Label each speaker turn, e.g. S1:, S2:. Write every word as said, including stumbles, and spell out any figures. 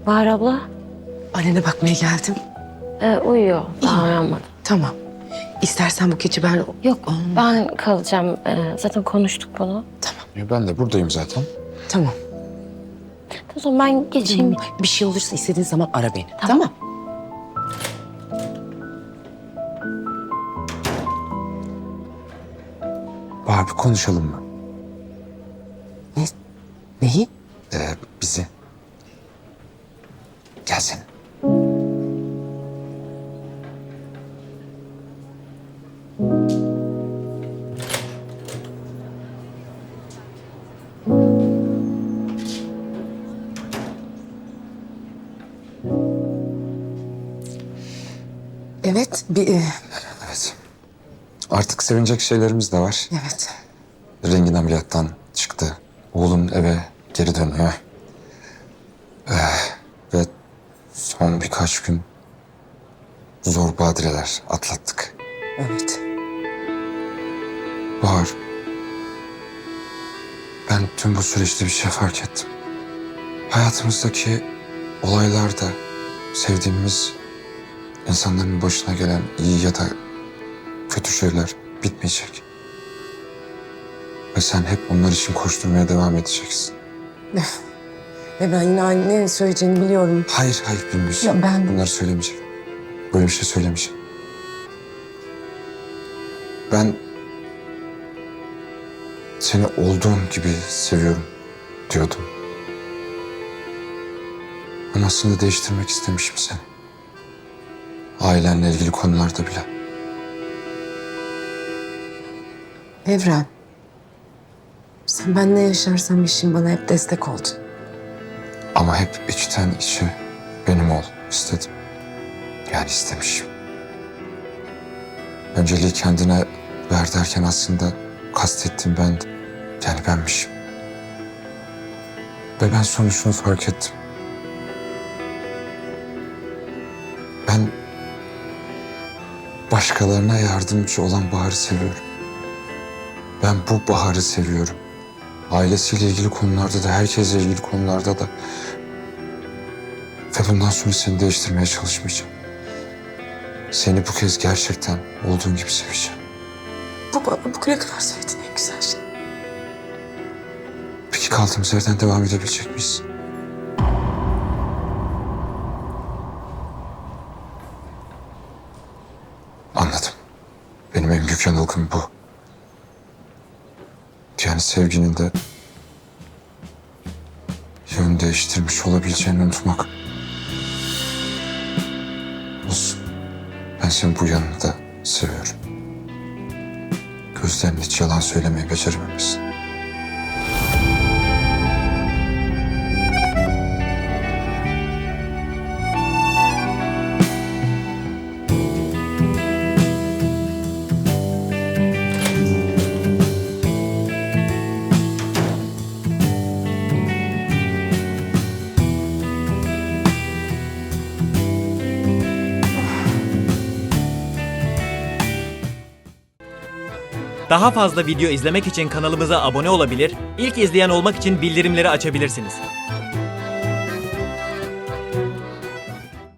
S1: Bahar abla
S2: Annene bakmaya geldim.
S1: e, uyuyor. Daha uyanmadı.
S2: Tamam. İstersen bu gece ben...
S1: Yok ben kalacağım. E, zaten konuştuk bunu.
S3: Ya ben de buradayım zaten.
S2: Tamam.
S1: O zaman ben geçeyim.
S2: Bir şey olursa istediğin zaman ara beni.
S1: Tamam.
S2: Tamam.
S3: Bahar bir konuşalım mı?
S2: Ne? Neyi?
S3: Ee, bizi. Gelsene.
S2: Evet. Bir, e,
S3: Evet. Artık sevinecek şeylerimiz de var.
S2: evet.
S3: Rengin ameliyattan çıktı. Oğlum eve geri dönüyor. Ee, ve son birkaç gün zor badireler atlattık.
S2: Evet.
S3: Bahar, ben tüm bu süreçte bir şey fark ettim. Hayatımızdaki olaylarda sevdiğimiz insanların başına gelen iyi ya da kötü şeyler bitmeyecek. Ve sen hep onlar için koşturmaya devam edeceksin.
S2: Ve ben yine ne söyleyeceğini biliyorum.
S3: Hayır, hayır Gündüz.
S2: Ya ben-
S3: Bunları söylemeyeceğim. Böyle bir şey söylemeyeceğim. Ben seni olduğun gibi seviyorum diyordum. Ama aslında değiştirmek istemişim seni. Ailenle ilgili konularda bile.
S2: Evren. Sen ben ne yaşarsam yaşayayım bana hep destek oldun.
S3: Ama hep içten içe benim ol istedim. Yani istemişim. Önceliği kendine ver derken aslında kastettiğim bendim. Yani benmişim. Ve ben sonuçunu fark ettim. Ben başkalarına yardımcı olan Bahar'ı seviyorum. Ben bu Bahar'ı seviyorum. Ailesiyle ilgili konularda da, herkesle ilgili konularda da. Ve bundan sonra seni değiştirmeye çalışmayacağım. Seni bu kez gerçekten olduğun gibi seveceğim.
S2: Bu bana bugüne kadar söylediğin en güzel şey.
S3: Peki kaldığımız yerden devam edebilecek miyiz? Anladım. Benim en büyük yanılgım bu. Yani sevginin de yön değiştirmiş olabileceğini unutmak. Olsun. Ben senin bu yanını da seviyorum. Gözlerin hiç yalan söylemeyi becerememişsin.
S4: Daha fazla video izlemek için kanalımıza abone olabilir, ilk izleyen olmak için bildirimleri açabilirsiniz.